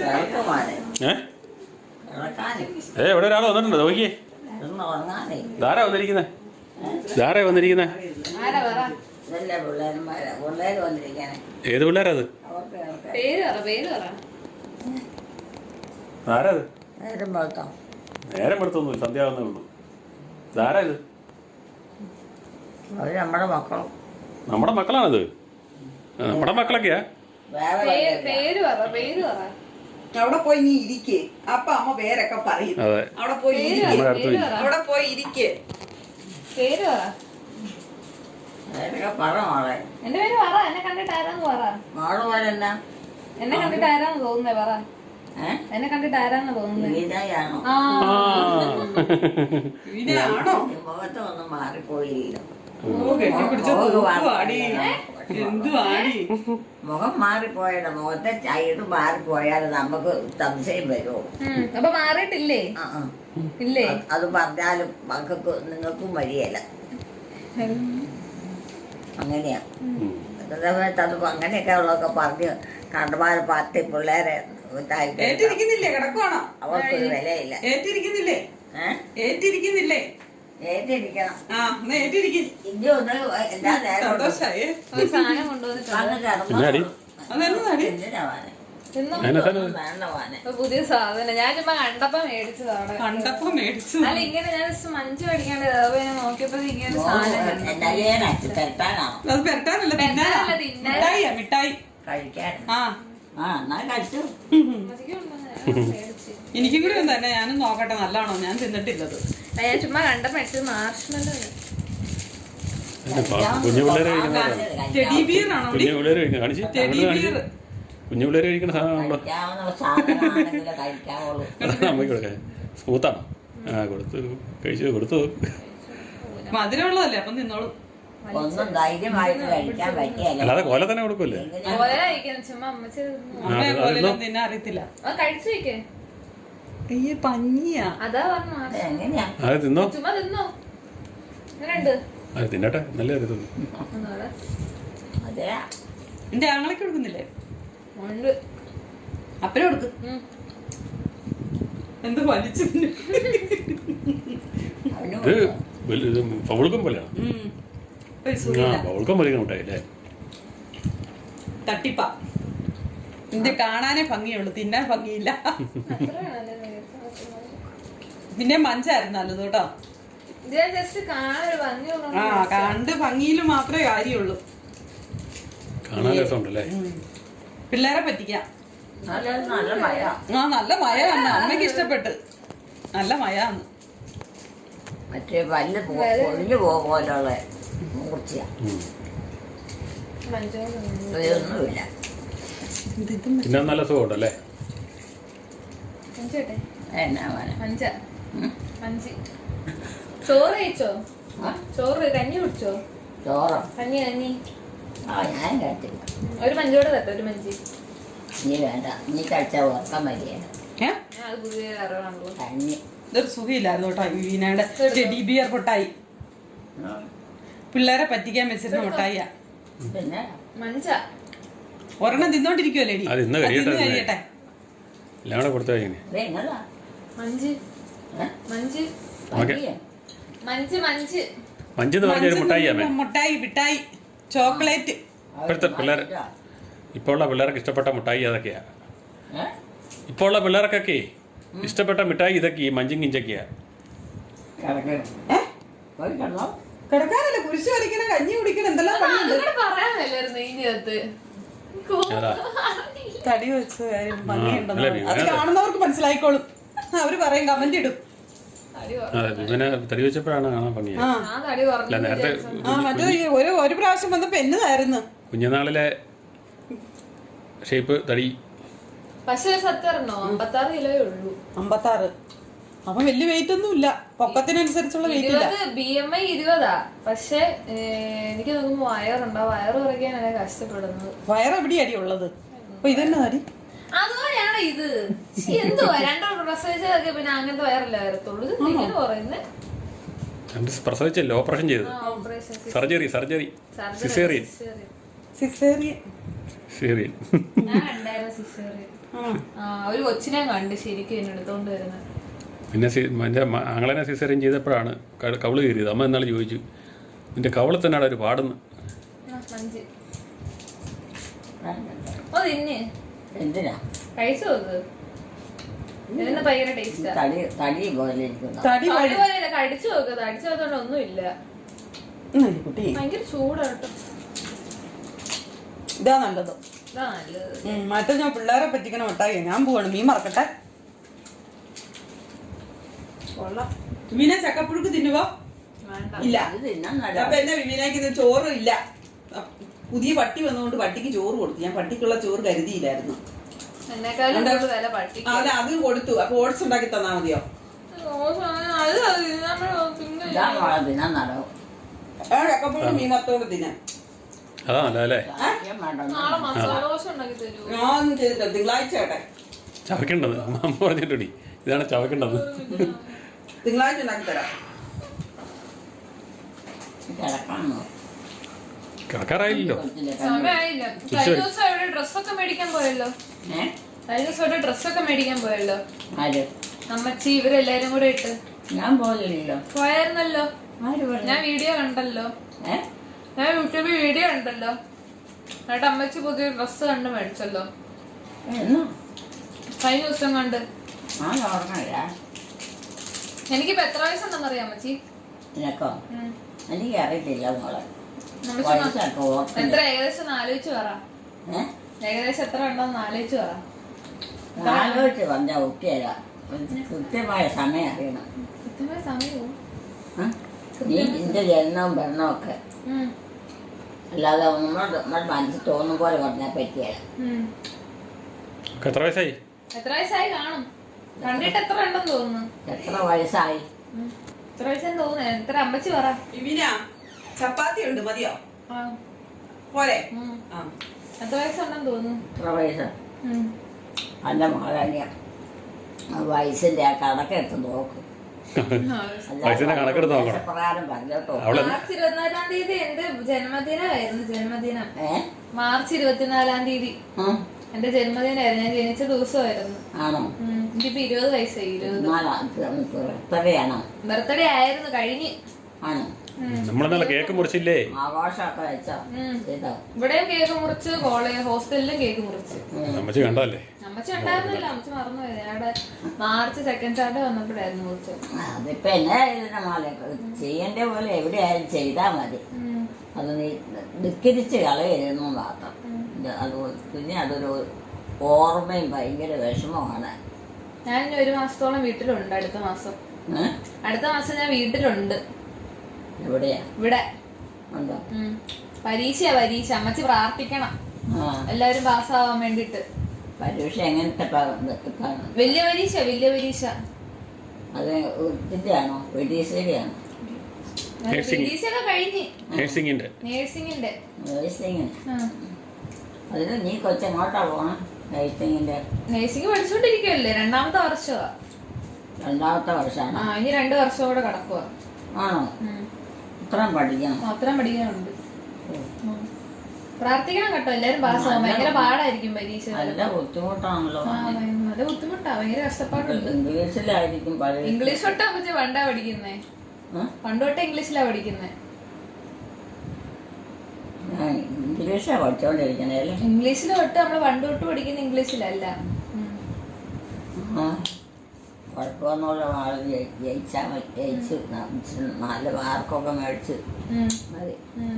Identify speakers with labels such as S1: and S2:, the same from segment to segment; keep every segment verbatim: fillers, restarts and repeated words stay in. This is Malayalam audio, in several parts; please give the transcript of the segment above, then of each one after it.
S1: ഏ ഇവിടെ ഒരാൾ വന്നിട്ടുണ്ട് നോക്കിയേ. ധാരാ വന്നിരിക്കുന്നേ, ധാരാ വന്നിരിക്കുന്നേ. ഏത് പിള്ളേരാ അത്? ആരാ അത്? നേരം എടുത്തൊന്നും സന്ധ്യ ആവുന്നേ ഉള്ളൂ. ധാരാ ഇത്?
S2: നമ്മുടെ മക്കളും
S1: നമ്മുടെ മക്കളാണിത്. നമ്മുടെ മക്കളൊക്കെയാ.
S3: അവിടെ പോയി നീ ഇരിക്കേ, അപ്പൊ അമ്മ പേരൊക്കെ പറയും. അവിടെ പോയി അവിടെ പോയി ഇരിക്കേ.
S4: പേര് പറ.
S2: പറ മോളെ.
S4: എന്റെ പേര് പറ. എന്നെ കണ്ടിട്ട് ആരാന്ന് പറ.
S2: മോള് പോലെന്നാ?
S4: എന്നെ കണ്ടിട്ട് ആരാന്ന് തോന്നുന്നേ പറ. എന്നെ കണ്ടിട്ട് ആരാന്ന് തോന്നുന്നേ?
S2: വിനയാണോ?
S3: വിനയാണോ?
S2: മുഖത്തൊന്നും മാറിപ്പോയില്ല. മുഖം മാറിപ്പോയാലോ, മുഖത്തെ ചൈഡ് മാറിപ്പോയാൽ നമുക്ക് സംശയം വരുമോ?
S4: അപ്പൊ മാറിയിട്ടില്ലേ? ഇല്ലേ?
S2: അത് പറഞ്ഞാലും മക്കൾക്ക് നിങ്ങൾക്കും വഴിയല്ല. അങ്ങനെയാ സമയത്ത് അത് അങ്ങനെയൊക്കെ ഉള്ളതൊക്കെ പറഞ്ഞ് കണ്ടമാർ പത്ത് പിള്ളേരെ അവർക്കൊരു വിലയില്ല.
S3: ഏറ്റിരിക്കുന്നില്ലേ? ഏറ്റിരിക്കുന്നില്ലേ?
S2: ഏറ്റിരിക്കണം.
S1: പിന്നെ
S4: പുതിയ സാധനം ഞാൻ ചുമ്മാ കണ്ടപ്പോ മേടിച്ചതാണ്.
S3: കണ്ടപ്പോ മേടിച്ചു.
S4: അല്ല ഇങ്ങനെ ഞാൻ മഞ്ച് മേടിക്കാണ്ട് നോക്കിയപ്പോ ഇങ്ങനെ സാധനം
S3: മിഠായി
S2: കഴിക്കാൻ.
S3: എനിക്കും കൂടി ഒന്ന് തന്നെ, ഞാനും നോക്കട്ടെ നല്ലതാണോ. ഞാൻ തിന്നിട്ടില്ലത്.
S4: ഞാൻ ചുമ്മാ കണ്ടപ്പോ മേടിച്ചത്. മാർഷ്മല്ലോ
S1: കുഞ്ഞു പിള്ളേരെ
S3: ടെഡി ബിയർ ആണോ?
S1: കുഞ്ഞു പിള്ളേര് കഴിക്കണം. കാണിച്ച് കുഞ്ഞു പിള്ളേര് കഴിക്കുന്ന സാധനമാണല്ലോ. അമ്മയ്ക്ക് കൊടുക്കാൻ സ്മൂത്താണോ? ആ കൊടുത്തു, കഴിച്ചു കൊടുത്തു.
S3: മധുരമുള്ളതല്ലേ, അപ്പം തിന്നോളൂ.
S2: ഒന്നും ധൈര്യമായിട്ട് കഴിക്കാൻ പറ്റിയല്ല.
S1: അല്ലാതെ കോല തന്നെ കൊടുക്കുമല്ലേ?
S3: തിന്നെ അറിയത്തില്ല.
S4: കഴിച്ചു വെക്കേ.
S3: അയ്യേ പഞ്ഞിയാ.
S4: അതാ പറഞ്ഞു.
S2: എങ്ങനെയാ
S1: അത് തിന്നോ?
S4: ചുമ്മാ തിന്നോ. എങ്ങനെയുണ്ട്?
S1: അത് തിന്നട്ടെ, നല്ല കരുതുന്നു.
S2: അതെ,
S3: എന്റെ ആങ്ങളൊക്കെ കൊടുക്കുന്നില്ലേ?
S4: ഉണ്ട്.
S3: അപ്പനെ കൊടുക്ക്. എന്ത് വലിച്ചു
S1: ഇത് പൗൾക്കം പോലെയാണ്. പൗൾക്കം വലിയ മുട്ടായില്ലേ?
S3: തട്ടിപ്പാ. ഇതിന്റെ കാണാനേ ഭംഗിയുള്ളു, തിന്നാൻ ഭംഗിയില്ല. ഇതിന്റെ മഞ്ചായിരുന്നു നല്ലത് കേട്ടോ. ആ കണ്ട് ഭംഗിയിൽ മാത്രമേ കാര്യമുള്ളൂ.
S1: കാണാൻ രസമുണ്ടല്ലേ?
S3: പിള്ളേരെ പറ്റിക്കാം.
S2: നല്ല മഴ.
S3: ആ നല്ല മഴ തന്നെ. അമ്മയ്ക്ക് ഇഷ്ടപ്പെട്ട്. നല്ല മഴാന്ന്.
S2: മറ്റേ പല്ല് പൊളിഞ്ഞു പോലുള്ള മൂർച്ചയാ. ഒന്നുമില്ല.
S1: പിന്നെ നല്ല സുഖമുണ്ടല്ലേ?
S2: എന്നാ
S4: ചോറ് കഴിച്ചോ? ചോറ് കഞ്ഞി കുടിച്ചോ?
S2: ചോറോ?
S4: കഞ്ഞി കഞ്ഞി.
S2: ആ ഞാൻ കഴിച്ചില്ല.
S4: ഒരു മഞ്ചോടെ തട്ടോ. ഒരു മഞ്ചി.
S2: നീ വേണ്ട, നീ കഴിച്ച ഉറക്കം മതിയാണ്. കഞ്ഞി
S3: ഇതൊരു സുഖമില്ലായിരുന്നു കേട്ടോ. വീണയുടെ ടെഡി ബിയർ മുട്ടായി. പിള്ളേരെ പറ്റിക്കാൻ വെച്ചിരുന്ന മുട്ടായിയാ.
S2: പിന്നെ
S4: മഞ്ച
S3: ഒരെണ്ണം തിന്നോണ്ടിരിക്കുവല്ലേ?
S1: കഴിയട്ടെ. എല്ലാം കൂടെ കൊടുത്തു കഴിഞ്ഞു.
S4: മഞ്ച് മഞ്ച് മഞ്ച് മഞ്ച്
S1: മഞ്ചെന്ന് പറഞ്ഞൊരു മുട്ടായി.
S3: മുട്ടായി മിഠായി ചോക്ലേറ്റ്.
S1: ഇപ്പോഴത്തെ പിള്ളേർ ഇപ്പോൾ ഉള്ള പിള്ളേർക്ക് ഇഷ്ടപ്പെട്ട മുട്ടായി അതൊക്കെയാ. ഇപ്പോൾ ഉള്ള പിള്ളേർക്കൊക്കെ ഇഷ്ടപ്പെട്ട മിഠായി ഇതൊക്കെ ഈ മഞ്ചും കിഞ്ചൊക്കെയാ.
S3: കിടക്കാനല്ല, കുരിശ് വരയ്ക്കണം, കഞ്ഞി കുടിക്കണം, എന്തെല്ലാം തടി വെച്ച കാര്യം ഭംഗിയുണ്ടെന്ന് അത് കാണുന്നവർക്ക് മനസ്സിലായിക്കോളും. അവര് പറയും, കമന്റ് ഇടും.
S1: ഇവനെ തടി വെച്ചപ്പോഴാണ് കാണാൻ ഭംഗി. നേരത്തെ
S3: മറ്റേ ഒരു ഒരു പ്രാവശ്യം വന്നപ്പോ എന്നതായിരുന്നു
S1: കുഞ്ഞുനാളിലെ ഷേപ്പ് തടി.
S4: പക്ഷേ സത്യം അമ്പത്താറ് കിലോയേ ഉള്ളൂ.
S3: അമ്പത്താറ് അപ്പൊ വലിയ വെയിറ്റ് ഒന്നും ഇല്ല. പൊക്കത്തിനനുസരിച്ചുള്ള വെയിറ്റ് ഇല്ല.
S4: ബി എം ഐ ഇരുപതാ. പക്ഷെ എനിക്ക് നോക്കുമ്പോ വയറുണ്ടോ, വയറ് കുറയ്ക്കാനാണ് കഷ്ടപ്പെടുന്നത്.
S3: വയറ് എവിടെയാടി ഉള്ളത്? അപ്പൊ ഇതെന്നെ തടി
S4: അതുപോലെയാണ് ഇത്. എന്തുവാ രണ്ടോ പ്രസവിച്ചതൊക്കെ പിന്നെ അങ്ങനത്തെ വയറല്ല വരത്തുള്ളൂ. ഇത് ഇങ്ങനെ പറയുന്നത്
S1: പ്രസവിച്ചല്ലോ, ഓപ്പറേഷൻ ചെയ്തു. Surgery surgery caesarean
S3: caesarean
S1: caesarean.
S4: ഞാൻ കണ്ടായിരുന്നു സിസേറിയൻ. ആ ഒരു കൊച്ചിനെ കണ്ട് ശരിക്കും എന്നെ എടുത്തോണ്ട് വരുന്നത്.
S1: പിന്നെ സി എൻ്റെ ആങ്ങളെനെ സിസേറിയൻ ചെയ്തപ്പോഴാണ് ക- കവിള് കയറിയത്. അമ്മ എന്നാൾ ചോദിച്ചു നിൻ്റെ കവിള് തന്നെയാണ് ഒരു പാടുന്നു.
S4: ആ, മഞ്ച് ഓ തിന്ന്
S2: എന്തിനാ
S4: കഴിച്ചു നോക്ക്. ഇതിന് ഭയങ്കര ടേസ്റ്റാ.
S2: തടി തടി പോലെ ഇരിക്കുന്ന
S3: തടി വഴി
S4: അതുപോലെ കടിച്ചു നോക്ക്. കടിച്ചു നോക്കണ്ട ഒന്നുമില്ല.
S3: കുട്ടി
S4: ഭയങ്കര ചൂടാട്ടോ.
S3: ഇതാ നല്ലത്.
S4: ഇതാ നല്ലത്.
S3: ഉം, മറ്റേ ഞാൻ പിള്ളേരെ പറ്റിക്കണ മിഠായി ഞാൻ പോവാണ്. മീൻ മറക്കട്ടെ.
S4: കൊള്ളാം.
S3: വിവീന ചക്കപ്പുഴുക്ക് തിന്നുവോ?
S4: വേണ്ട.
S3: ഇല്ല.
S2: ഇത് തിന്നാൻ നല്ല
S3: അപ്പൊ എന്നെ വിവീനക്ക് ഇത് ചോറും ഇല്ല. പുതിയ പട്ടി വന്നുകൊണ്ട് പട്ടിക്ക് ചോറ് കൊടുത്തു. ഞാൻ പട്ടിക്കുള്ള ചോറ് കരുതിയില്ലായിരുന്നു.
S4: എന്നെക്കാളും കൂടുതൽ വില പട്ടിക്ക്.
S3: അതെ അതും കൊടുത്തു. അപ്പൊ ഓട്സ് ഉണ്ടാക്കി തന്നാ മതിയോ?
S4: അത് നമ്മള് പിന്നെ
S2: ഇതാ മോളെ തിന്നാൻ നടവും
S3: ആ ചക്കപ്പുഴുക്ക് മീൻ വറുത്തോണ്ട് തിന്നാൻ.
S1: അതാ നല്ലതല്ലേ?
S2: സത്യം വേണ്ട
S4: നാളെ മസാല ദോശ ഉണ്ടാക്കി തരൂ.
S3: ഞാനൊന്നും ചെയ്തിട്ടില്ല. തിങ്കളാഴ്ച ആട്ടെ.
S1: ചവയ്ക്കേണ്ടത് അമ്മ പറഞ്ഞിട്ടുണ്ടി. ഇതാണ് ചവയ്ക്കേണ്ടത്.
S3: തിങ്കളാഴ്ച ഉണ്ടാക്കി തരാം.
S2: കിടക്കാണോ
S1: കിടക്കാറായില്ലല്ലോ.
S4: സമയമായില്ല. കഴിഞ്ഞ ദിവസം ഇവിടെ ഡ്രസ്സൊക്കെ മേടിക്കാൻ പോയല്ലോ.
S2: ഏ
S4: കഴിഞ്ഞ ദിവസം ഇവിടെ ഡ്രസ്സൊക്കെ മേടിക്കാൻ പോയല്ലോ.
S2: ആര്
S4: അമ്മച്ചി ഇവരെല്ലാരും കൂടെ ഇട്ട്
S2: ഞാൻ പോലില്ലല്ലോ.
S4: പോയായിരുന്നല്ലോ.
S2: ആര് പറഞ്ഞു?
S4: ഞാൻ വീഡിയോ കണ്ടല്ലോ.
S2: ഏ
S4: ഞാൻ യൂട്യൂബിൽ വീഡിയോ കണ്ടല്ലോ. എന്നിട്ട് അമ്മച്ചി പുതിയ ഡ്രസ്സ് കണ്ട് മേടിച്ചല്ലോ
S2: എന്നാ
S4: കഴിഞ്ഞ ദിവസം കണ്ട്.
S2: ഞാൻ ഓർമ്മയില്ല.
S4: എനിക്കിപ്പോ എത്ര വയസ്സുണ്ടെന്ന് അറിയാം അമ്മച്ചി?
S2: നിനക്കോ?
S4: ഉം.
S2: എനിക്ക് അറിയത്തില്ല മോളെ.
S4: അമ്മച്ചി
S2: വയസ്സൊക്കെ ഓർമ്മ.
S4: എത്ര ഏകദേശം ഒന്ന് ആലോചിച്ച് പറ.
S2: ഏ
S4: ഏകദേശം എത്ര ഉണ്ടോന്ന് ആലോചിച്ച് പറ.
S2: ആലോചിച്ച് പറഞ്ഞാൽ ഒക്കെയല്ല. കൃത്യമായ സമയം അറിയണം.
S4: കൃത്യമായ സമയവും.
S2: ആ? നീ നിന്റെ ജനനവും ഭരണവും ഒക്കെ
S4: ഉം.
S2: അല്ലാതെ നമ്മൾ നമ്മുടെ മനസ്സിൽ തോന്നും പോലെ പറഞ്ഞാൽ പറ്റിയല്ല.
S4: ഉം.
S1: ഒക്കെ എത്ര വയസ്സായി?
S4: എത്ര വയസ്സായി കാണും? കണ്ടിട്ട് എത്ര ഉണ്ടെന്ന് തോന്നുന്നു?
S2: എത്ര വയസ്സായി?
S4: ഉം. എത്ര വയസ്സെന്ന് തോന്നുന്നു? എത്ര അമ്മച്ചി പറ.
S3: വിവീന ചപ്പാത്തി ഉണ്ട് മതിയോ?
S4: ആ.
S3: പോരെ?
S4: ഉം.
S3: ആ
S4: എത്ര വയസ്സുണ്ടെന്ന് തോന്നുന്നു?
S2: എത്ര വയസ്സ്?
S4: ഉം.
S2: അല്ല മോളെ ആ വയസ്സിന്റെ ആ കണക്കെടുത്ത് നോക്കും.
S1: വയസ്സിന്റെ കണക്കെടുത്ത് നോക്കണം.
S2: പ്രകാരം പറഞ്ഞോട്ടോ.
S1: അവളെ
S4: മാർച്ച് ഇരുപത്തിനാലാം തീയതി എന്റെ ജന്മദിനമായിരുന്നു. ജന്മദിനം
S2: ഏ
S4: മാർച്ച് ഇരുപത്തിനാലാം തീയതി
S2: ഉം.
S4: എന്റെ ജന്മദിനമായിരുന്നു. ഞാൻ ജനിച്ച ദിവസമായിരുന്നു.
S2: ആണോ?
S4: ഉം. എനിക്കിപ്പോ ഇരുപത് വയസ്സായി. ഇരുപത്
S2: എത്രയാണോ?
S4: ബർത്ത്ഡേ ആയിരുന്നു കഴിഞ്ഞ്.
S2: ആണോ?
S1: നമ്മളെന്നല്ല കേക്ക് മുറിച്ചില്ലേ?
S2: ആഘോഷമൊക്കെ വെച്ചോ?
S4: ഉം.
S2: ചെയ്തോ?
S4: ഇവിടെയും കേക്ക് മുറിച്ച് കോളേജ് ഹോസ്റ്റലിലും കേക്ക് മുറിച്ച്.
S1: അമ്മച്ചി കണ്ടല്ലേ?
S4: അമ്മച്ചി ഉണ്ടായിരുന്നില്ല. അമ്മച്ചി മറന്നുപോയത്. അവിടെ മാർച്ച് സെക്കൻഡ് സാറ്റർഡേ വന്നപ്പോഴായിരുന്നു മുറിച്ച്.
S2: അതിപ്പോ എന്നാ ഇതിന്റെ മോലെ ചെയ്യേണ്ട പോലെ എവിടെയായാലും ചെയ്താൽ മതി.
S4: ഉം.
S2: അത് നീ ധിക്കരിച്ച് കളയരുന്നു മാത്രം.
S4: ഉം.
S2: ഇത് അത് പിന്നെ അതൊരു ഓർമ്മയും ഭയങ്കര വിഷമമാണ്.
S4: ഞാൻ ഇനി ഒരു മാസത്തോളം വീട്ടിലുണ്ട്. അടുത്ത മാസം
S2: ഏ?
S4: അടുത്ത മാസം ഞാൻ വീട്ടിലുണ്ട്.
S2: എവിടെയാ?
S4: ഇവിടെ
S2: ഉണ്ടോ?
S4: ഉം. പരീക്ഷയാ പരീക്ഷ. അമ്മച്ചി പ്രാർത്ഥിക്കണം
S2: ആ
S4: എല്ലാരും പാസ്സാവാൻ വേണ്ടിട്ട്.
S2: പരീക്ഷ എങ്ങനത്തെ പ- ഇതാണ്?
S4: വലിയ പരീക്ഷ വലിയ പരീക്ഷ.
S2: അത് ഇതിന്റെ ആണോ? വെഡീസിന്റെ ആണോ?
S1: Nursing.
S4: പരീക്ഷയൊക്കെ കഴിഞ്ഞ്.
S1: നേഴ്സിംഗിന്റെ.
S4: നേഴ്സിംഗിന്റെ.
S2: നേഴ്സിങ്ങിന്.
S4: ആ.
S2: അതിന് നീ കൊച്ചെങ്ങോട്ടാ പോണം? നേഴ്സിങ്ങിന്റെ
S4: നേഴ്സിംഗ് പഠിച്ചോണ്ടിരിക്കുവല്ലേ. രണ്ടാമത്തെ വർഷമാ.
S2: രണ്ടാമത്തെ
S4: ആ
S2: വർഷമാണ്.
S4: ഇനി രണ്ടു വർഷം കൂടെ കിടക്കുക.
S2: ആണോ? ഇത്രയും പഠിക്കണം.
S4: അത്രയും പഠിക്കാനുണ്ട്. ഉം. പ്രാർത്ഥിക്കണം കേട്ടോ എല്ലാരും പാസ്സാവും. ഭയങ്കര പാടായിരിക്കും പരീക്ഷ.
S2: നല്ല ബുദ്ധിമുട്ടാണല്ലോ.
S4: ആ, ഭയ- നല്ല ബുദ്ധിമുട്ടാ. ഭയങ്കര കഷ്ടപ്പാടുണ്ട്.
S2: ഇംഗ്ലീഷിലായിരിക്കും പഴയ.
S4: ഇംഗ്ലീഷ് തൊട്ടാ അമ്മച്ചി പണ്ടാ പഠിക്കുന്നേ.
S2: ഏ?
S4: പണ്ട് തൊട്ടേ ഇംഗ്ലീഷിലാ പഠിക്കുന്നേ.
S2: ഞാൻ ഇംഗ്ലീഷാ പഠിച്ചോണ്ടിരിക്കണേ അല്ലേ?
S4: ഇംഗ്ലീഷിൽ തൊട്ട് നമ്മള് പണ്ട് തൊട്ട് പഠിക്കുന്ന ഇംഗ്ലീഷിലല്ല. ഉം.
S2: ആ കുഴപ്പമൊന്നുമില്ല. ആള് ജയി- ജയിച്ചാൽ മതി. ജയിച്ച് ന- ഇച്ചിരി നല്ല മാർക്കൊക്കെ മേടിച്ച്
S4: ഉം.
S2: മതി.
S4: ഉം.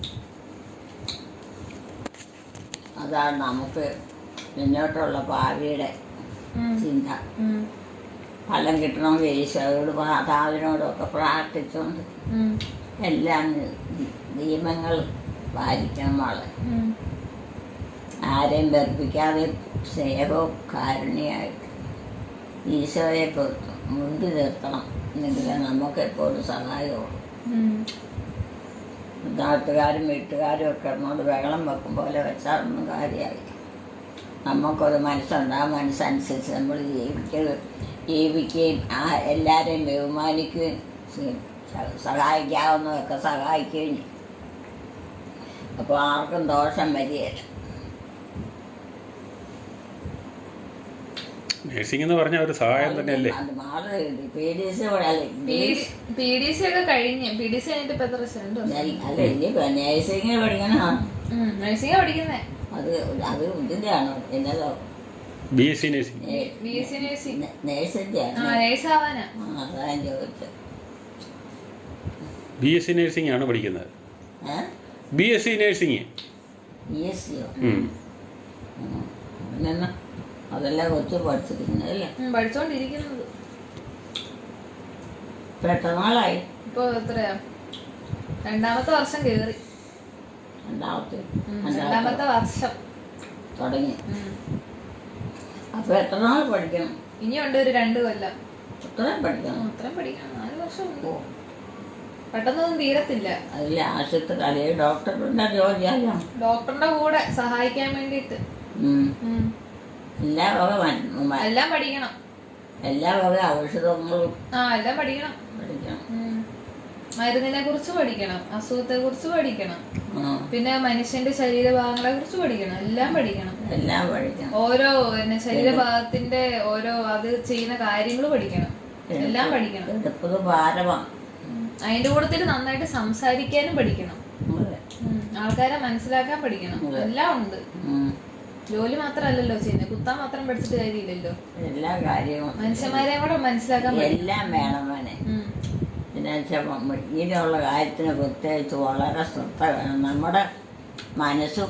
S2: അതാണ് നമുക്ക് മുന്നോട്ടുള്ള ഭാവിയുടെ
S4: ഉം.
S2: ചിന്ത.
S4: ഉം.
S2: ഫലം കിട്ടണമെങ്കിൽ ഈശോയോട് മാതാവിനോടൊക്കെ പ്രാർത്ഥിച്ചുകൊണ്ട്
S4: ഉം.
S2: എല്ലാം നി- നിയമങ്ങൾ പാലിക്കണം. വളരെ
S4: ഉം.
S2: ആരെയും വെറുപ്പിക്കാതെ സ്നേഹവും കാരുണ്യമായിട്ട് ഈശോയെ പൊ- മുൻപ് നിർത്തണം. എന്നെങ്കിലേ നമുക്ക് എപ്പോഴും സഹായമുള്ളൂ.
S4: ഉം.
S2: നാട്ടുകാരും വീട്ടുകാരും ഒക്കെ ഇറങ്ങോട്ട് ബഹളം വെക്കും പോലെ വെച്ചാലൊന്നും കാര്യമായി. നമുക്കൊരു മനസ്സുണ്ട്. ആ മനസ്സനുസരിച്ച് നമ്മൾ ജീവിക്കുക ജീവിക്കുകയും ആ എല്ലാവരെയും ബഹുമാനിക്കുകയും സ- സ- സഹായിക്കാവുന്നതൊക്കെ സഹായിക്കുകയും ചെയ്യും. അപ്പോൾ ആർക്കും ദോഷം വരികയില്ല.
S1: നേഴ്സിംഗ് എന്ന് പറഞ്ഞാൽ ഒരു സഹായം തന്നെയല്ലേ.
S2: അത് മാറി പി ഡി സി അല്ല
S4: പി ഡി സി ഒക്കെ കഴിഞ്ഞ് പി ഡി സി കഴിഞ്ഞിട്ട് ഇപ്പൊ എത്ര വർഷം? രണ്ട് വർഷം.
S2: ഇനി നേഴ്സിംഗ് പഠിക്കണം.
S4: നഴ്സിംഗ് പഠിക്കുന്നേ.
S2: അത് അത് ഇതിന്റെ ആണോ എന്നതോ
S1: B S C nursing.
S4: B S C nursing
S2: നേഴ്സിന്റെ
S4: ആ നേഴ്സ് ആവാനാ.
S2: അതാ ഞാൻ ചോദിച്ചത്.
S1: ബി എസ് സി നേഴ്സിംഗ് ആണ് പഠിക്കുന്നത്. B S C nursing.
S2: B S സിയോ? പിന്നെ അതെല്ലാം കൊച്ചു പഠിച്ചിരിക്കുന്നത് അല്ലേ?
S4: പഠിച്ചോണ്ടിരിക്കുന്നത്.
S2: പെട്ടെന്നാളായി.
S4: ഇപ്പൊ എത്രയാ? രണ്ടാമത്തെ വർഷം കേറി.
S2: രണ്ടാമത്തെ
S4: രണ്ടാമത്തെ വർഷം
S2: തുടങ്ങി. അപ്പൊ എത്ര നാൾ പഠിക്കണം?
S4: ഇനിയുണ്ട് ഒരു രണ്ട് കൊല്ലം.
S2: അത്രയും പഠിക്കണം.
S4: അത്രയും പഠിക്കണം. നാല് വർഷം ഉണ്ട്. പെട്ടെന്നൊന്നും തീരത്തില്ല.
S2: അതിൽ ആശുപത്രി അല്ലെങ്കിൽ ഡോക്ടറിന്റെ ജോലിയല്ലോ.
S4: ഡോക്ടറിന്റെ കൂടെ സഹായിക്കാൻ വേണ്ടിട്ട്
S2: എല്ലാ വക
S4: എല്ലാം പഠിക്കണം.
S2: എല്ലാ വക ഔഷധങ്ങളും
S4: ആ എല്ലാം പഠിക്കണം.
S2: പഠിക്കണം.
S4: മരുന്നിനെ കുറിച്ച് പഠിക്കണം, അസുഖത്തെ കുറിച്ച് പഠിക്കണം, പിന്നെ മനുഷ്യന്റെ ശരീരഭാഗങ്ങളെ കുറിച്ച് പഠിക്കണം. എല്ലാം പഠിക്കണം.
S2: എല്ലാം പഠിക്കണം.
S4: ഓരോ പിന്നെ ശരീരഭാഗത്തിന്റെ ഓരോ അത് ചെയ്യുന്ന കാര്യങ്ങൾ പഠിക്കണം. എല്ലാം പഠിക്കണം.
S2: എടുപ്പത് ഭാരമാണ്.
S4: അതിന്റെ കൂട്ടത്തിൽ നന്നായിട്ട് സംസാരിക്കാനും പഠിക്കണം. ആൾക്കാരെ മനസ്സിലാക്കാൻ പഠിക്കണം. എല്ലാം ഉണ്ട്. ജോലി മാത്രല്ലല്ലോ ചെയ്യുന്നത്. കുത്താൻ മാത്രം പഠിച്ചിട്ട് കാര്യമില്ലല്ലോ.
S2: എല്ലാ കാര്യവും
S4: മനുഷ്യന്മാരെ കൂടെ മനസ്സിലാക്കാൻ
S2: എല്ലാം വേണം. വേണേ പിന്നെ ഇങ്ങനെയുള്ള കാര്യത്തിന് പ്രത്യേകിച്ച് വളരെ ശ്രദ്ധ വേണം. നമ്മുടെ മനസ്സും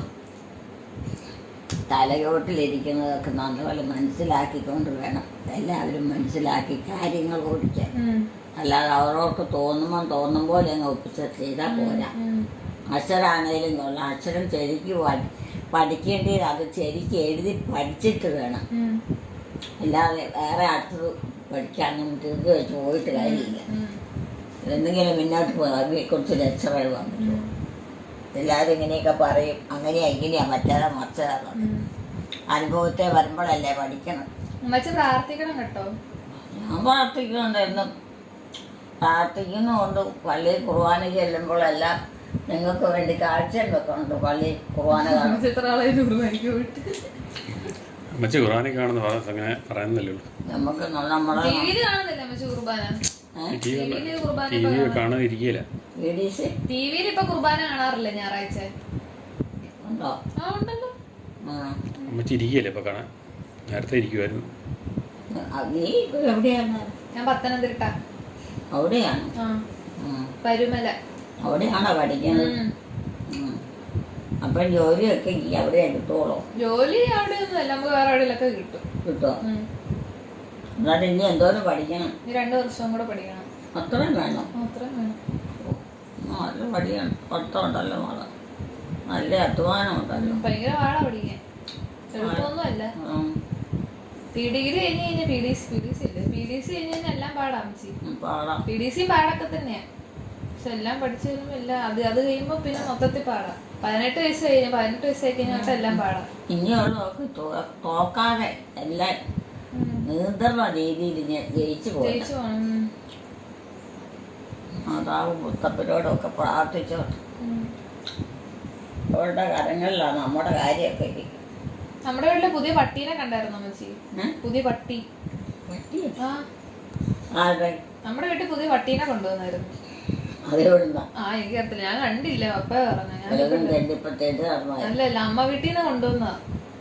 S2: തലയോട്ടിലിരിക്കുന്നതൊക്കെ നല്ലപോലെ മനസ്സിലാക്കിക്കൊണ്ട് വേണം എല്ലാവരും മനസ്സിലാക്കി കാര്യങ്ങൾ ഓടിക്കാൻ. അല്ലാതെ അവർക്ക് തോന്നുമ്പോൾ തോന്നും പോലെ അങ്ങ് ഒപ്പിച്ച് ചെയ്താൽ പോരാ. അക്ഷരാണേലും കൊള്ളാം. അക്ഷരം ശരിക്ക് പഠിക്കേണ്ടത് അത് ശരിക്ക് എഴുതി പഠിച്ചിട്ട് വേണം. അല്ലാതെ വേറെ അടുത്തത് പഠിക്കാനും തീർത്ത് വെച്ച് പോയിട്ട് കാര്യമില്ല. എന്തെങ്കിലും മുന്നോട്ട് പോകും. അതിനെക്കുറിച്ച് രക്ഷകൾ വന്നിട്ട് എല്ലാവരും ഇങ്ങനെയൊക്കെ പറയും. അങ്ങനെയാ ഇങ്ങനെയാ മറ്റേതാ മറിച്ചതാ. അനുഭവത്തെ വരുമ്പോഴല്ലേ പഠിക്കണം.
S4: പ്രാർത്ഥിക്കണം കേട്ടോ.
S2: ഞാൻ പ്രാർത്ഥിക്കുന്നുണ്ട്. എന്നും പ്രാർത്ഥിക്കുന്നുണ്ട്. പള്ളിയിൽ കുർബാന ചെല്ലുമ്പോഴെല്ലാം നിങ്ങൾക്ക് വേണ്ടി കാഴ്ചയും വെക്കുന്നുണ്ട്. പള്ളി കുർബാന
S1: അമ്മച്ചി കുർബാന കാണുന്ന അങ്ങനെ പറയുന്നില്ലല്ലോ.
S2: നമുക്ക് നമ്മുടെ
S1: ടി വി കാണാതിരിക്കില്ല.
S4: ടി വിയിൽ ഇപ്പൊ കുർബാന കാണാറില്ല. ഞായറാഴ്ച
S2: ഉണ്ടോ?
S1: അമ്മച്ചി ഇരിക്കുകയല്ലേ ഇപ്പൊ കാണാൻ? നേരത്തെ ഇരിക്കുമായിരുന്നു.
S2: നീ എവിടെയാണ്?
S4: ഞാൻ പത്തനംതിട്ട.
S2: അവിടെയാണ്?
S4: പരുമല.
S2: അവിടെയാണോ പഠിക്കുന്നത്? അപ്പൊ ജോലിയൊക്കെ അവിടെ കിട്ടുള്ളൂ?
S4: ജോലി അവിടെ ഒന്നും അല്ല. നമുക്ക് വേറെ എവിടെയൊക്കെ കിട്ടും.
S2: കിട്ടുമോ? എന്നാലും ഇനി എന്തോരം പഠിക്കണം?
S4: രണ്ടു വർഷം കൂടെ പഠിക്കണം.
S2: അത്രയും വേണം?
S4: അത്രയും വേണം.
S2: നല്ല പഠിക്കണം. പഠിത്തമുണ്ടല്ലോ മോളെ. നല്ല അധ്വാനം ഉണ്ടല്ലോ.
S4: ഭയങ്കര പാടാ പഠിക്കാൻ. എളുപ്പമൊന്നും അല്ല. പി ഡിഗ്രി കഴിഞ്ഞ് കഴിഞ്ഞാൽ P D C P D C ഇല്ല പി ഡി സി കഴിഞ്ഞ് കഴിഞ്ഞാൽ എല്ലാം പാടാം. പി ഡി സി പാടൊക്കെ തന്നെയാ. പക്ഷെ എല്ലാം പഠിച്ചു കഴിയുമ്പോ എല്ലാം അത് അത് കഴിയുമ്പോ പിന്നെ മൊത്തത്തിൽ പാടാം. പതിനെട്ട് വയസ്സ് കഴിഞ്ഞ പതിനെട്ട് വയസ്സ് ആയി കഴിഞ്ഞാൽ എല്ലാം പാടാം.
S2: ഇനിയുള്ളവർക്ക് തോക്കാതെ എല്ലാം നിയന്ത്രണ രീതിയിൽ ജയിച്ചു പോകണം. മാതാവ് മുത്തപ്പനോടൊക്കെ പ്രാർത്ഥിച്ചോ. അവരുടെ കരങ്ങളിലാണ് നമ്മുടെ കാര്യമൊക്കെ ഇരിക്കും.
S4: നമ്മുടെ വീട്ടിലെ പുതിയ പട്ടീനെ കണ്ടായിരുന്നു അമ്മച്ചി? പുതിയ പട്ടി. നമ്മുടെ വീട്ടിൽ പുതിയ പട്ടീനെ കൊണ്ടുവന്നായിരുന്നു. ആ എനിക്കറിയത്തില്ല. ഞാൻ കണ്ടില്ല. പപ്പ പറഞ്ഞു. അല്ലല്ല അമ്മ വീട്ടിൽ നിന്ന് കൊണ്ടുവന്നതാ.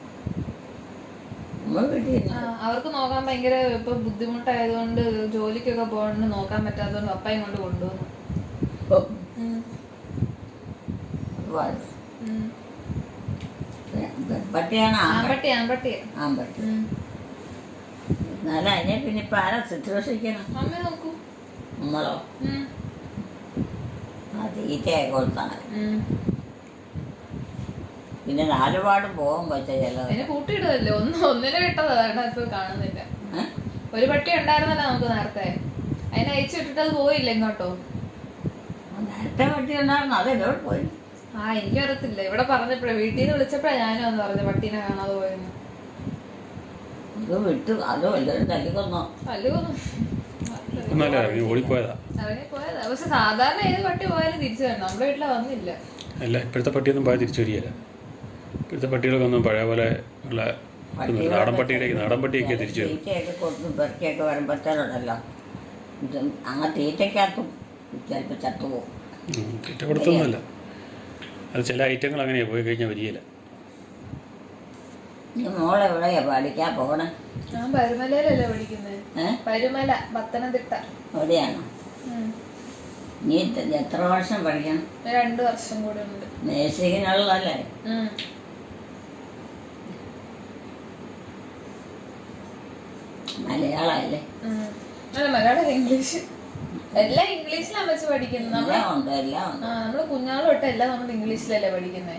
S4: അവർക്ക് നോക്കാൻ ഭയങ്കര ഇപ്പൊ ബുദ്ധിമുട്ടായതുകൊണ്ട് ജോലിക്കൊക്കെ പോകണ്ട് നോക്കാൻ പറ്റാത്തതുകൊണ്ട് പപ്പയും കൊണ്ട് കൊണ്ടുവന്നു. ആൺപട്ടി ആൺപട്ടി
S2: ആൺപട്ടി. എന്നാലും അതിനെ പിന്നെ ഇപ്പൊ ആരാ ശുശ്രൂഷിക്കണം?
S4: അമ്മ നോക്കൂ.
S2: നമ്മളോ? ആ തീറ്റയെ കൊടുത്താണ്. പിന്നെ നാലുപാടും പോകും കൊച്ചേ. ചിലത്
S4: അതിനെ കൂട്ടിയിടുമല്ലോ. ഒന്ന് ഒന്നിനെ വിട്ടതാണ് ഇപ്പൊ കാണുന്നില്ല. ഒരു പട്ടി ഉണ്ടായിരുന്നല്ലോ നമുക്ക് നേരത്തെ. അതിനെ അയച്ചു വിട്ടിട്ട് അത് പോയില്ല എങ്ങോട്ടോ.
S2: നേരത്തെ പട്ടി ഉണ്ടായിരുന്നു. അതെന്നോട് പോയി.
S4: ആ എനിക്കറിയത്തില്ല. ഇവിടെ പറഞ്ഞപ്പോഴേ വീട്ടിൽ നിന്ന് വിളിച്ചപ്പോഴാ ഞാനും വന്ന് പറഞ്ഞു പട്ടീനെ കാണാതെ പോയെന്ന്.
S2: അത് വിട്ടു. അതോ എല്ലാവരും തല്ലിക്കൊന്നോ?
S4: തല്ലിക്കൊന്നു
S1: ഓടിപ്പോയതാ.
S4: ഇറങ്ങി പോയതാ. പക്ഷെ സാധാരണ ഏത് പട്ടി പോയാലും തിരിച്ചു വരണം. നമ്മുടെ വീട്ടിലെ വന്നില്ല.
S1: അല്ല ഇപ്പോഴത്തെ പട്ടിയൊന്നും പോയാൽ തിരിച്ചു വരികയില്ല. ഇപ്പോഴത്തെ പട്ടികളൊക്കെ ഒന്നും പഴയ പോലെ ഉള്ള നാടൻ പട്ടിയിലേക്ക് നാടൻ പട്ടിയൊക്കെ തിരിച്ചു വരും.
S2: തീറ്റയൊക്കെ കൊടുത്തും പെറുക്കിയൊക്കെ വരുമ്പോഴത്തേനുണ്ടല്ലോ ഇത് അങ്ങ് തീറ്റയ്ക്കകത്തും ചിലപ്പോൾ ചത്തുപോകും.
S1: തീറ്റ കൊടുത്തൊന്നുമല്ല, അത് ചില ഐറ്റങ്ങൾ അങ്ങനെയാണ് പോയി കഴിഞ്ഞാൽ വരികയില്ല.
S2: ഈ മോളെവിടെയാ പഠിക്കാൻ പോകണേ?
S4: ഞാൻ പരുമലയിലല്ലേ പഠിക്കുന്നത്.
S2: ഏഹ്
S4: പരുമല, പത്തനംതിട്ട.
S2: എവിടെയാണോ?
S4: ഉം.
S2: നീ എത്ര- എത്ര വർഷം പഠിക്കണം?
S4: രണ്ടു വർഷം കൂടെ ഉണ്ട്.
S2: നേഴ്സിങ്ങിനുള്ളതല്ലേ?
S4: ഉം.
S2: മലയാളമല്ലേ?
S4: ഉം. അല്ല, മലയാളം ഇംഗ്ലീഷ് എല്ലാം ഇംഗ്ലീഷിലാണ് വെച്ച് പഠിക്കുന്നത്. നമ്മള്
S2: എല്ലാം ഉണ്ട് എല്ലാം ഉണ്ട്.
S4: ആ നമ്മള് കുഞ്ഞാള് തൊട്ട് എല്ലാം നമ്മൾ ഇംഗ്ലീഷിലല്ലേ പഠിക്കുന്നത്.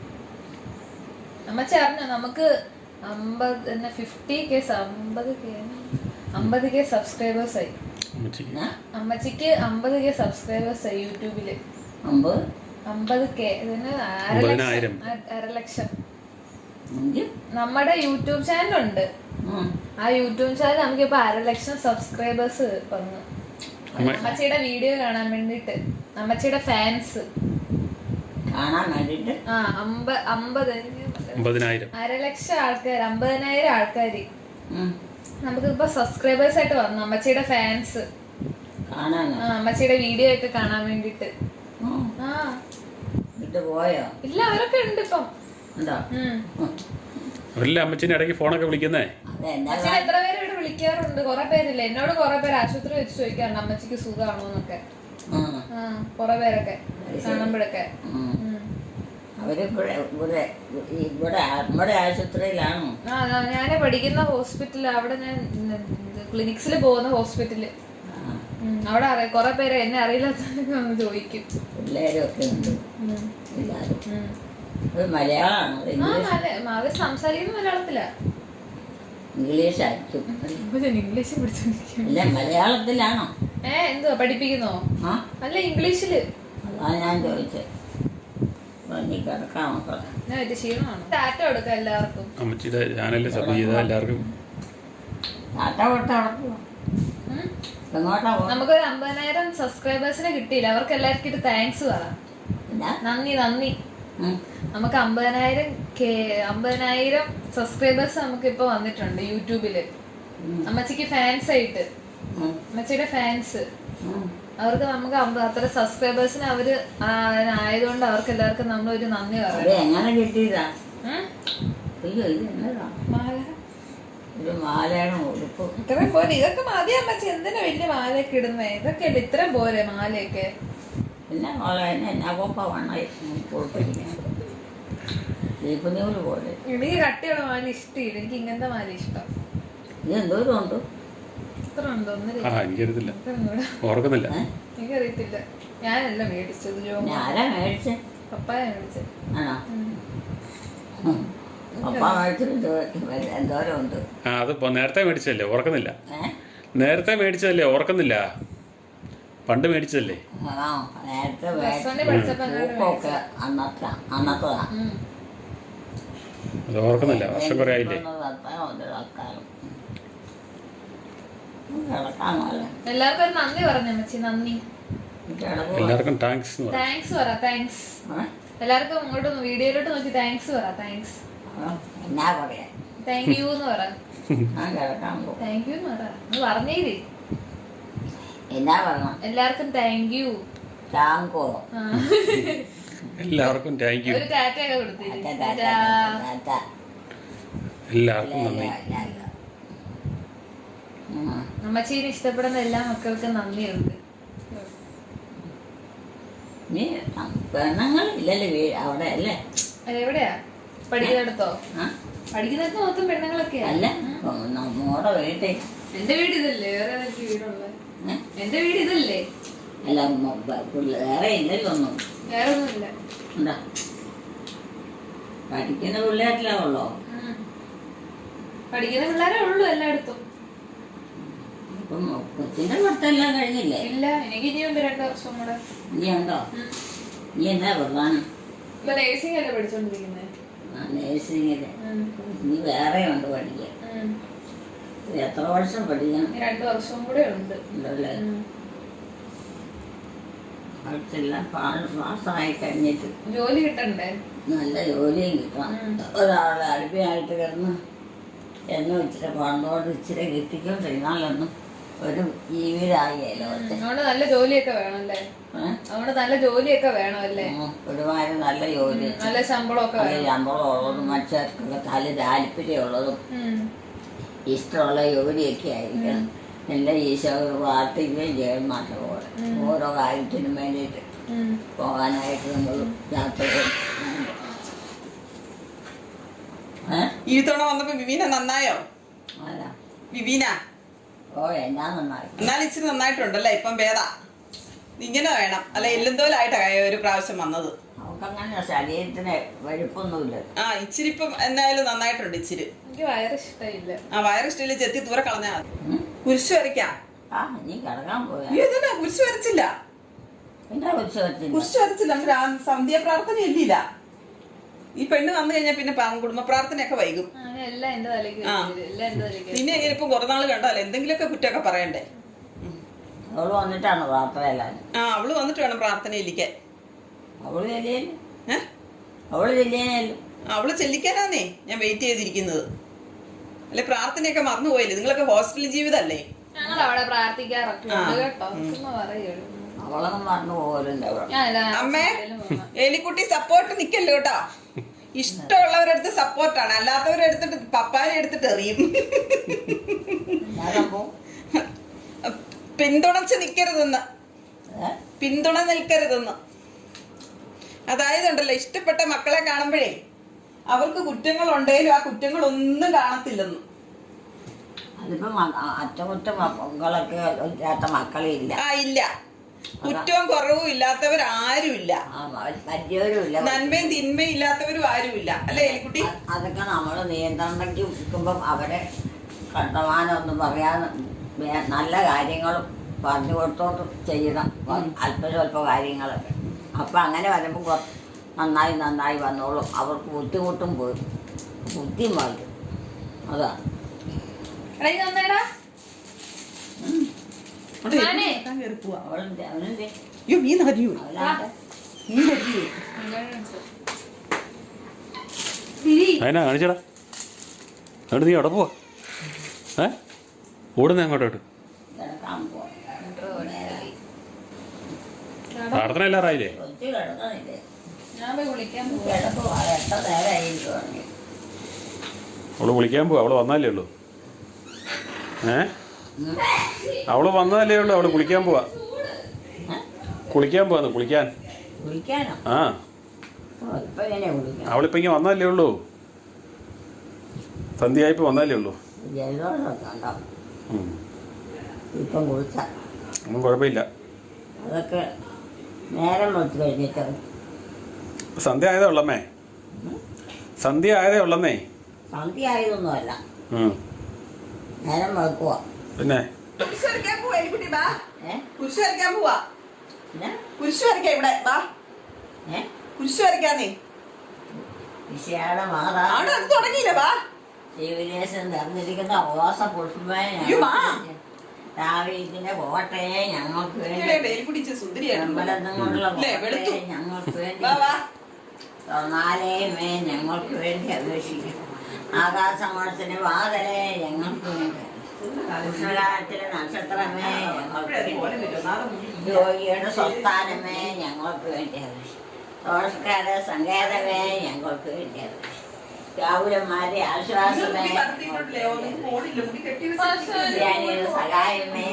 S4: അമ്മച്ചി അറിഞ്ഞോ നമുക്ക് അമ്പത് എന്നാ ഫിഫ്റ്റി കെ അമ്പത് കെ അമ്പത് കെ സബ്സ്ക്രൈബേഴ്സ് ആയി.
S2: എന്നാ?
S4: അമ്മച്ചിക്ക് അമ്പത് കെ സബ്സ്ക്രൈബേഴ്സ് ആയി യൂട്യൂബില്.
S2: അമ്പത്
S4: അമ്പത് കെ ഇതിന്
S1: അമ്പതിനായിരം.
S4: അരലക്ഷം.
S2: അഞ്ച്?
S4: നമ്മുടെ യൂട്യൂബ് ചാനലുണ്ട്.
S2: ഉം.
S4: ആ യൂട്യൂബ് ചാനൽ നമുക്കിപ്പോ അരലക്ഷം സബ്സ്ക്രൈബേഴ്സ് വന്നു. അമ്മച്ചിയുടെ വീഡിയോ കാണാൻ വേണ്ടിട്ട് അമ്മച്ചിയുടെ ഫാൻസ്
S2: കാണാൻ വേണ്ടിട്ട്
S4: ആ അമ്പ അമ്പത്
S1: അമ്പതിനായിരം
S4: അരലക്ഷം ആൾക്കാർ അമ്പതിനായിരം ആൾക്കാര്
S2: ഉം.
S4: നമുക്കിപ്പോ സബ്സ്ക്രൈബേഴ്സ് ആയിട്ട് വന്നു. അമ്മച്ചിയുടെ ഫാൻസ്
S2: കാണാനോ?
S4: ആ അമ്മച്ചിയുടെ വീഡിയോ ഒക്കെ കാണാൻ വേണ്ടിട്ട്.
S2: ഉം.
S4: ആ
S2: വിട്ട് പോയോ?
S4: ഇല്ല, അവരൊക്കെ ഉണ്ട് ഇപ്പം.
S2: ഉണ്ടോ?
S4: ഉം.
S2: ഉം.
S1: അവരല്ലേ അമ്മച്ചിൻ്റെ ഇടയ്ക്ക് ഫോണൊക്കെ വിളിക്കുന്നേ.
S2: അതെന്താ
S4: അച്ഛൻ എത്ര പേര് ഇവിടെ വിളിക്കാറുണ്ട്. കുറെ പേരില്ല, എന്നോട് കുറെ പേര് ആശുപത്രി വെച്ച് ചോദിക്കാറുണ്ട് അമ്മച്ചിക്ക് സുഖമാണോ എന്നൊക്കെ.
S2: ഉം.
S4: ആ കുറെ പേരൊക്കെ കാണുമ്പോഴൊക്കെ.
S2: ഉം.
S4: ഉം.
S2: അവരിവിടെ ഇവിടെ ഇവിടെ നമ്മുടെ ആശുപത്രിയിലാണോ?
S4: ആ ഞാന് പഠിക്കുന്ന ഹോസ്പിറ്റല്, അവിടെ ഞാൻ ക്ലിനിക്സിൽ പോകുന്ന ഹോസ്പിറ്റല്.
S2: ആ.
S4: ഉം. അവിടെ അറിയാം കുറെ പേര് എന്നെ അറിയില്ലാത്തവരൊക്കെ വന്ന് ചോദിക്കും.
S2: പിള്ളേരും ഒക്കെ ഉണ്ട്
S4: ഉം.
S2: എല്ലാവരും.
S4: ഉം.
S2: അത് മലയാളമാണോ?
S4: ആ
S2: ഇംഗ്ലീഷ്?
S4: മല അവര് സംസാരിക്കുന്ന മലയാളത്തിലാ.
S2: ഇംഗ്ലീഷ് ആയിരിക്കും.
S4: ഇപ്പൊ ഞാൻ ഇംഗ്ലീഷ് പഠിച്ചോണ്ടിരിക്കും.
S2: അല്ല മലയാളത്തിലാണോ?
S4: ഏ എന്തുവാ പഠിപ്പിക്കുന്നോ?
S2: ആ
S4: അല്ല ഇംഗ്ലീഷില്.
S2: അതാണ് ഞാൻ ചോദിച്ചത്. നീ കിടക്കാം മക്കളെ.
S4: ഞാൻ വലിയ ക്ഷീണമാണ്. ടാറ്റ കൊടുക്കാം എല്ലാവർക്കും.
S1: അമ്മച്ചിയുടെ ചാനലിൽ സബ് ചെയ്താൽ എല്ലാവർക്കും
S2: ടാറ്റ വിട്ട് നടക്കുമോ?
S4: ഉം.
S2: എങ്ങോട്ടാ പോകും?
S4: നമുക്കൊരു അമ്പതിനായിരം സബ്സ്ക്രൈബേഴ്സിനെ കിട്ടിയില്ല. അവർക്ക് എല്ലാവർക്കും ഇത് താങ്ക്സ് പറ.
S2: എന്നാ?
S4: നന്ദി നന്ദി.
S2: ഉം.
S4: നമുക്ക് അമ്പതിനായിരം കെ അമ്പതിനായിരം സബ്സ്ക്രൈബേഴ്സ് നമുക്ക് ഇപ്പൊ വന്നിട്ടുണ്ട് യൂട്യൂബില്.
S2: ഉം.
S4: അമ്മച്ചിക്ക് ഫാൻസ് ആയിട്ട്,
S2: ഉം.
S4: അമ്മച്ചിയുടെ ഫാൻസ്
S2: ഉം.
S4: അവർക്ക് നമുക്ക് അമ്പ- അത്ര സബ്സ്ക്രൈബേഴ്സിന് അവര് ആ, ആയതുകൊണ്ട് അവർക്ക് എല്ലാവർക്കും നമ്മൾ ഒരു നന്ദി
S2: അത്
S4: പറയാം.
S2: എങ്ങനെ കിട്ടിയതാ?
S4: ഉം?
S2: അയ്യോ ഇത് എന്നതാ?
S4: മാല
S2: ഒരു മാലയുടെ ഉടുപ്പ്.
S4: ഇത്രയും പോലെ ഇതൊക്കെ മതി അമ്മച്ചി. എന്തിനാ വലിയ മാലയൊക്കെ ഇടുന്നേ? ഇതൊക്കെ അല്ലേ ഇത്രയും പോലെ മാലയൊക്കെ.
S2: പിന്നെ മോളെ എന്നെ എന്നാ കൊപ്പ വണ്ണായി കൊടുത്തിരിക്കുന്നത് ദീപനൂല് പോലെ.
S4: എനിക്ക് കട്ടിയുള്ള മാല ഇഷ്ടമില്ല. എനിക്ക് ഇങ്ങനത്തെ മാല ഇഷ്ടം.
S2: ഇത് എന്തോരം ഉണ്ട്?
S4: ഇത്ര ഉണ്ടോ? ഒന്നില്ല.
S1: ആ എനിക്കറിയത്തില്ല,
S4: ഇത്രയും കൂടെ
S1: ഓർക്കുന്നില്ല.
S2: ഏ?
S4: എനിക്കറിയത്തില്ല. ഞാനല്ല മേടിച്ചത്. ജോ
S2: പിന്നെ ആരാ മേടിച്ചേ?
S4: പപ്പായ മേടിച്ചത്.
S2: ആണോ?
S4: ഉം.
S2: ഉം. പപ്പ മേടിച്ചിട്ട് എന്തോരം ഉണ്ട്?
S1: ആ അത് ഇപ്പൊ നേരത്തെ മേടിച്ചതല്ലേ, ഓർക്കുന്നില്ല.
S2: ഏ?
S1: നേരത്തെ മേടിച്ചതല്ലേ, ഓർക്കുന്നില്ല. പണ്ട് മേടിച്ചതല്ലേ.
S2: ആ നേരത്തെ
S4: Plus one ല് പഠിച്ചപ്പോ അങ്ങോട്ട്
S2: തൂക്കമൊക്കെ അന്നത്തെ അന്നത്തതാ.
S4: ഉം.
S1: അത് ഓർക്കുന്നില്ല, വർഷം കുറേ ആയില്ലേ.
S2: കിടക്കാൻ പോലെ
S4: എല്ലാവർക്കും ഒരു നന്ദി പറഞ്ഞു അമ്മച്ചി. നന്ദി.
S2: കിടക്കുക.
S1: എല്ലാവർക്കും താങ്ക്സ് എന്ന് പറയാം.
S4: താങ്ക്സ് പറ. താങ്ക്സ് എല്ലാവർക്കും. ഇങ്ങോട്ട് വീഡിയോയിലോട്ട് നോക്കി താങ്ക്സ് പറ. താങ്ക്സ്.
S2: എന്നാ പറയാ?
S4: താങ്ക് യു എന്ന് പറ.
S2: ഞാൻ കിടക്കാൻ പോകും.
S4: താങ്ക് യു എന്ന് പറ. ഒന്ന് പറഞ്ഞേര്.
S2: എന്നാ പറയണം?
S4: എല്ലാവർക്കും താങ്ക് യു.
S2: ടാങ്കോ?
S1: എല്ലാവർക്കും താങ്ക് യു.
S4: ഒരു ടാറ്റ ഒക്കെ കൊടുത്തിരി.
S1: എല്ലാവർക്കും നന്ദി.
S4: അമ്മച്ചീനെ ഇഷ്ടപ്പെടുന്ന എല്ലാ മക്കൾക്കും നന്ദിയുണ്ട്.
S2: നീ പെണ്ണുങ്ങളില്ലല്ലേ വീ- അവിടെ അല്ലേ?
S4: എവിടെയാ പഠിക്കുന്നിടത്തോ?
S2: ആ?
S4: പഠിക്കുന്നിടത്ത് മൊത്തം പെണ്ണുങ്ങളൊക്കെയാ.
S2: അല്ല നമ്മടെ വീട്ടിൽ.
S4: എന്റെ വീട് ഇതല്ലേ? വേറെ എനിക്ക് വീടുള്ളത്.
S2: ഏ?
S4: എന്റെ വീട് ഇതല്ലേ?
S2: അല്ല മ- ബ- പിള്ള- വേറെ ഇല്ലല്ലോ ഒന്നും.
S4: വേറെ ഒന്നുമില്ല.
S2: എന്താ പഠിക്കുന്ന പിള്ളേരിലാ ഉള്ളോ?
S4: ഉം. പഠിക്കുന്ന പിള്ളേരെ ഉള്ളൂ എല്ലായിടത്തും.
S2: ഇപ്പം കൊച്ചിന്റെ പഠിത്തമെല്ലാം കഴിഞ്ഞില്ലേ?
S4: ഇല്ല, എനിക്ക് ഇനിയുണ്ട് രണ്ടു വർഷം കൂടെ.
S2: നീ ഉണ്ടോ?
S4: ഉം.
S2: നീ എന്താ പ്രധാനം?
S4: ഇപ്പൊ നേഴ്സിംഗ് അല്ലേ പഠിച്ചോണ്ടിരിക്കുന്നത്.
S2: നേഴ്സിംഗില്
S4: ഉം.
S2: നീ വേറെ ഉണ്ട് പഠിക്കാൻ.
S4: ഉം.
S2: ഇത് എത്ര വർഷം പഠിക്കണം?
S4: ഇനി രണ്ടു വർഷവും കൂടെ ഉണ്ട്.
S2: ഉണ്ടല്ലേ?
S4: ഉം.
S2: പഠിച്ചെല്ലാം പാസ്സായി കഴിഞ്ഞിട്ട്
S4: ജോലി കിട്ടണ്ടേ?
S2: നല്ല ജോലിയും കിട്ടണം.
S4: ഉം.
S2: ഒരാളെ അടിമയായിട്ട് കിടന്ന് എന്നും ഇച്ചിരി പണ്ടോട് ഇച്ചിരി കിട്ടിക്കൊണ്ടിരുന്നാലൊന്നും ഒരു ജീവിതമാകിയല്ലോ ഒറ്റ.
S4: അതുകൊണ്ട് നല്ല ജോലിയൊക്കെ വേണമല്ലേ? അതുകൊണ്ട് നല്ല ജോലിയൊക്കെ വേണമല്ലേ?
S2: ഒരുമാതിരി നല്ല ജോലി,
S4: നല്ല ശമ്പളമൊക്കെ
S2: നല്ല ശമ്പളം ഉള്ളതും മനുഷ്യർക്കൊക്കെ നല്ല താല്പര്യമുള്ളതും ഇഷ്ടമുള്ള ജോലിയൊക്കെ ആയിരിക്കണം. എല്ലാ ഈശോ പ്രാർത്ഥിക്കുകയും ചെയ്യണം. നല്ലപോലെ ഓരോ കാര്യത്തിനും വേണ്ടിയിട്ട് പോകാനായിട്ട് നമ്മൾ യാത്ര ചെയ്യും.
S3: ഈ തവണ വന്നപ്പോ വിവീന നന്നായോ?
S2: അല്ല
S3: വിവീന
S2: ഓ എന്നാ നന്നായി.
S3: എന്നാലും ഇച്ചിരി നന്നായിട്ടുണ്ടല്ലേ? ഇപ്പം ഭേദ ഇങ്ങനെ വേണം അല്ല എല്ലുന്തോലായിട്ടാ ഒരു പ്രാവശ്യം വന്നത്.
S2: അവക്കങ്ങനെ ശരീരത്തിന് വെഴുപ്പൊന്നുമില്ല.
S3: ആ ഇച്ചിരി ഇപ്പം എന്തായാലും നന്നായിട്ടുണ്ട്. ഇച്ചിരി
S4: എനിക്ക് വയറിഷ്ടമില്ല.
S3: ആ വയറിഷ്ടമില്ല, ചെത്തി ദൂരെ കളഞ്ഞാ മതി. കുരിശ് വരയ്ക്കാം.
S2: ആ നീ കിടക്കാൻ പോയാ
S3: ഇതന്നെ കുരിശ് വരച്ചില്ല.
S2: എന്താ കുരിശ് വരച്ചില്ല?
S3: കുരിശ് വരച്ചില്ല. നമുക്ക് സന്ധ്യ പ്രാർത്ഥന ഇല്ലില്ല. ഈ പെണ്ണ് വന്നു കഴിഞ്ഞാൽ പിന്നെ കുടുംബ പ്രാർത്ഥനയൊക്കെ വൈകും.
S4: എല്ലാം എന്റെ തലയ്ക്ക് എല്ലാം എന്റെ തലയ്ക്ക്.
S3: നിന്നെ എങ്ങനെ ഇപ്പൊ കുറെ നാള് കണ്ടാലേ എന്തെങ്കിലുമൊക്കെ കുറ്റമൊക്കെ പറയണ്ടേ?
S2: അവള് വന്നിട്ടാണ് പ്രാർത്ഥന എല്ലാവരും.
S3: ആ അവള് വന്നിട്ട് വേണം പ്രാർത്ഥന ഇരിക്കാൻ.
S2: അവള് ചെല്ലിയല്ലോ.
S3: ഏഹ്
S2: അവള് ചെല്ലിയല്ലോ.
S3: അവള് ചെല്ലിക്കാനാന്നേ ഞാൻ വെയിറ്റ് ചെയ്തിരിക്കുന്നത്. അല്ലെ പ്രാർത്ഥനയൊക്കെ മറന്നുപോയില്ലേ? നിങ്ങളൊക്കെ ഹോസ്റ്റൽ ജീവിതമല്ലേ?
S4: ഞങ്ങൾ അവിടെ പ്രാർത്ഥിക്കാറൊക്കെ കേട്ടോ. പറയുള്ളൂ
S2: അവളൊന്നും മറന്നു പോകല്ലോ.
S3: അമ്മേ എലിക്കുട്ടി സപ്പോർട്ട് നിക്കല്ലോ കേട്ടോ. ഇഷ്ടമുള്ളവരെടുത്ത് സപ്പോർട്ടാണ്, അല്ലാത്തവരെ എടുത്തിട്ട് പപ്പാനെ എടുത്തിട്ട് എറിയും. പിന്തുണച്ച് നിക്കരുതെന്ന്, പിന്തുണ നിൽക്കരുതെന്ന്. അതായത് ഉണ്ടല്ലോ ഇഷ്ടപ്പെട്ട മക്കളെ കാണുമ്പോഴേ അവർക്ക് കുറ്റങ്ങളുണ്ടെങ്കിലും ആ കുറ്റങ്ങളൊന്നും കാണത്തില്ലെന്ന്.
S2: അതിപ്പം അറ്റകുറ്റങ്ങളൊക്കെ ഇല്ലാത്ത മക്കളെ ഇല്ല.
S3: ആ ഇല്ല, കുറ്റവും കുറവും ഇല്ലാത്തവരാരും ഇല്ല, നന്മയും തിന്മയും ഇല്ലാത്തവരും ആരുമില്ല. അല്ലേ എലിക്കുട്ടി?
S2: അതൊക്കെ നമ്മൾ നിയന്ത്രണയ്ക്ക് നിൽക്കുമ്പം അവരെ കണ്ടമാനം ഒന്നും പറയാൻ നല്ല കാര്യങ്ങളും പറഞ്ഞു കൊടുത്തോട്ട് ചെയ്യണം. അല്പ സ്വല്പ കാര്യങ്ങളൊക്കെ അപ്പം അങ്ങനെ വരുമ്പോൾ നന്നായി നന്നായി വന്നോളും. അവർക്ക് ബുദ്ധിമുട്ടും പോയി ബുദ്ധിയും മാറ്റും. അതാണ്
S1: അതിനാ കാണിച്ചടാ. എന്നിട്ട് നീ അവിടെ പോവാ. ഏ ഓടുന്ന അങ്ങോട്ടോട്ട്. പ്രാർത്ഥന എല്ലാറായില്ലേ? അവള് വിളിക്കാൻ പോവാ. അവള് വന്നാലേ ഉള്ളൂ. ഏ അവള് വന്നതല്ലേ ഉള്ളൂ. അവള് കുളിക്കാൻ പോവാ. കുളിക്കാൻ പോവാന്ന്. കുളിക്കാൻ. ആ അവളിപ്പോ ഇങ്ങനെ വന്നതല്ലേ ഉള്ളൂ. സന്ധ്യയായിപ്പോ വന്നതല്ലേ ഉള്ളൂ. ഒന്നും കുഴപ്പമില്ല.
S2: അതൊക്കെ നേരം വെച്ച് കഴിഞ്ഞിട്ട്
S1: സന്ധ്യ ആയതേ ഉള്ളമ്മേ. സന്ധ്യ ആയതേ ഉള്ളന്നേ.
S2: സന്ധ്യ ആയതൊന്നുമല്ല, നേരം വെക്കുക.
S1: പിന്നെ
S3: കുരിശ് വരയ്ക്കാൻ പോവാ എലിക്കുട്ടി. ബാ കുരിശ് വരയ്ക്കാൻ പോവാ. കുരിശ് വരയ്ക്കാം ഇവിടെ. ബാ കുരിശ് വരയ്ക്കാന്നേ.
S2: വിശയാടെ മാതാ
S3: അവിടെ അത് തുടങ്ങിയില്ല. ബാ
S2: ശിവദേശം നിറഞ്ഞിരിക്കുന്ന ഓസ പുഷ്പമേ രാവിലെ കോട്ടയെ ഞങ്ങൾക്ക് വേണ്ടി അമ്പലത്തും കൊണ്ടുള്ള കോട്ടയെ ഞങ്ങൾക്ക് വേണ്ടി തൊന്നാലേമേ ഞങ്ങൾക്ക് വേണ്ടി അപേക്ഷിക്കും. ആകാശമോളത്തിന് വാതലെ ഞങ്ങൾക്ക് വേണ്ടി. കൃഷ്ണകാലത്തിലെ നക്ഷത്രമേ ഞങ്ങൾക്ക് വേണ്ടി. യോഗിയുടെ സ്വസ്ഥാനമേ ഞങ്ങൾക്ക് വേണ്ടി അപേക്ഷിക്കും. ദോഷക്കാരുടെ സങ്കേതമേ ഞങ്ങൾക്ക് വേണ്ടി അപേക്ഷിക്കും. രാഹുലന്മാരെ ആശ്വാസമേ, സഹായമേ,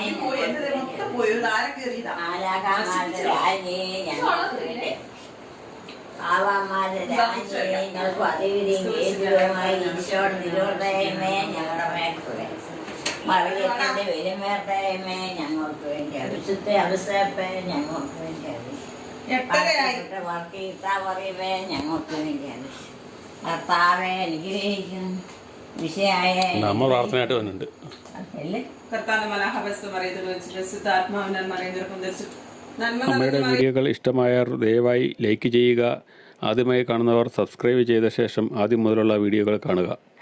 S2: ആലാകാമാരുടെ രാജ്ഞി ഞങ്ങൾക്ക് വേണ്ടി. ആവാമാരുടെ രാജ്ഞി ഞങ്ങൾക്ക് അതിവിധിയും കേന്ദ്രവുമായി ഈശോയുടെ തിരുവൃദയമേ ഞങ്ങളുടെ മേൽക്കുവേ. മറിയത്തിന്റെ വിലമേർത്തയമേ ഞങ്ങൾക്ക് വേണ്ടി. വിശുദ്ധ അവസരപ്പേ ഞങ്ങൾക്ക് വേണ്ടി. വർക്കീത്താവറിയമേ ഞങ്ങൾക്ക് വേണ്ടി. കർത്താവെ അനുഗ്രഹിക്കും. വിഷയായ
S1: പ്രാർത്ഥനയായിട്ട് വന്നിട്ടുണ്ട്. അമ്മയുടെ വീഡിയോകൾ ഇഷ്ടമായവർ ദയവായി ലൈക്ക് ചെയ്യുക. ആദ്യമായി കാണുന്നവർ സബ്സ്ക്രൈബ് ചെയ്ത ശേഷം ആദ്യം മുതലുള്ള വീഡിയോകൾ കാണുക.